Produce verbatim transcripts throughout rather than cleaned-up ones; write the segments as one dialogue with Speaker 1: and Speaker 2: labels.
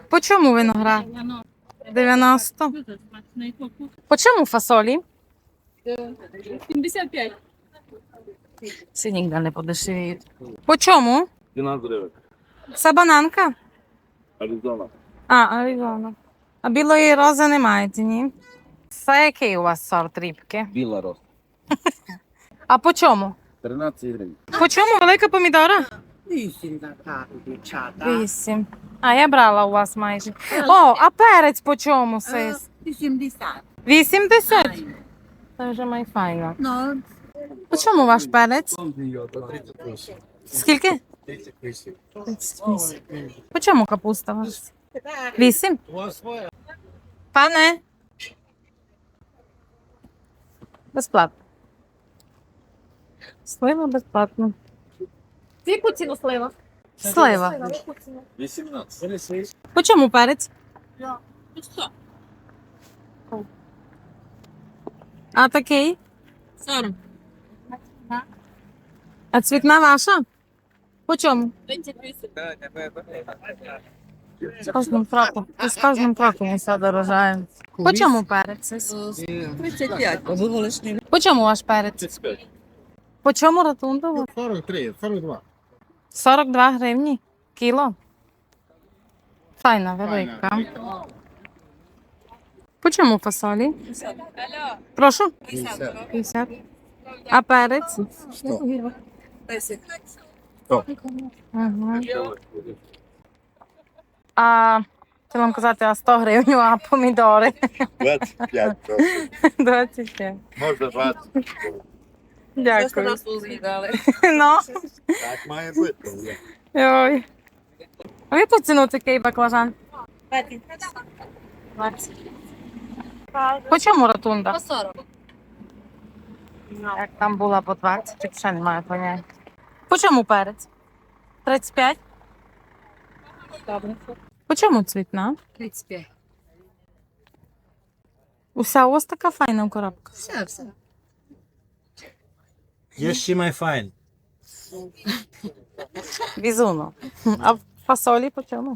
Speaker 1: По чому виноград? дев'яносто. По чому фасолі?
Speaker 2: сімдесят п'ять.
Speaker 1: Всі ніде не подешевіють. По чому?
Speaker 3: дванадцять гривень.
Speaker 1: Це бананка?
Speaker 3: Аризона.
Speaker 1: А, Аризона. А білої рози не маєте, ні? Це який у вас сорт рібки?
Speaker 3: Біла роса.
Speaker 1: А по чому?
Speaker 3: тринадцять гривень.
Speaker 1: По чому велика помідора?
Speaker 4: Вісім така, дівчата.
Speaker 1: Вісім. А я брала у вас майже. О, а перець по чому, сис?
Speaker 4: Вісімдесят.
Speaker 1: вісімдесят? Це вже майфайно.
Speaker 4: Ну,
Speaker 1: По чому ваш перець? Скільки?
Speaker 3: тридцять вісім.
Speaker 1: тридцять вісім. По чому капуста у вас? Вісім? Пане? Безплатно. Слива безплатно.
Speaker 2: Яку ціну слива?
Speaker 1: Слива.
Speaker 3: вісімнадцять.
Speaker 1: По чому перець? А такий?
Speaker 2: сорок.
Speaker 1: А цвітна ваша? По чому?
Speaker 2: тридцять вісім.
Speaker 1: З кожним кроком. З кожним кроком все дорожає. По чому перець?
Speaker 4: тридцять п'ять.
Speaker 1: По чому ваш перець?
Speaker 3: тридцять п'ять.
Speaker 1: По чому ротундово?
Speaker 3: сорок три, сорок два.
Speaker 1: сорок два гривні. Кіло. Файна, велика. По чому фасолі? Прошу? п'ятдесят. А перець?
Speaker 3: сто.
Speaker 1: Ага. А, хотіла вам казати, а сто гривень, а помідори?
Speaker 3: двадцять п'ять.
Speaker 1: двадцять п'ять.
Speaker 3: Можна двадцять.
Speaker 1: Дякую.
Speaker 2: з'їдали.
Speaker 1: Ну,
Speaker 3: Так має бути.
Speaker 1: ой. А в яку ціну такий баклажан? двадцять. По чому ротунда?
Speaker 2: По сорок.
Speaker 1: Як там була по двадцять, так ще немає поняття. По чому перець? тридцять п'ять. По чому цвітна?
Speaker 2: тридцять п'ять.
Speaker 1: Уся ось така файна коробка.
Speaker 2: Все, все.
Speaker 5: Yes, she my fine.
Speaker 1: Візуно. А фасолі по чому?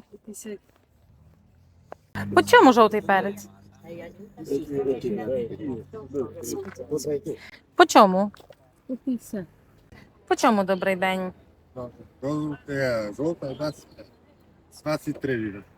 Speaker 1: По чому жовтий перець? По чому? По чому добрий день?
Speaker 3: Жовта двадцять три гривень.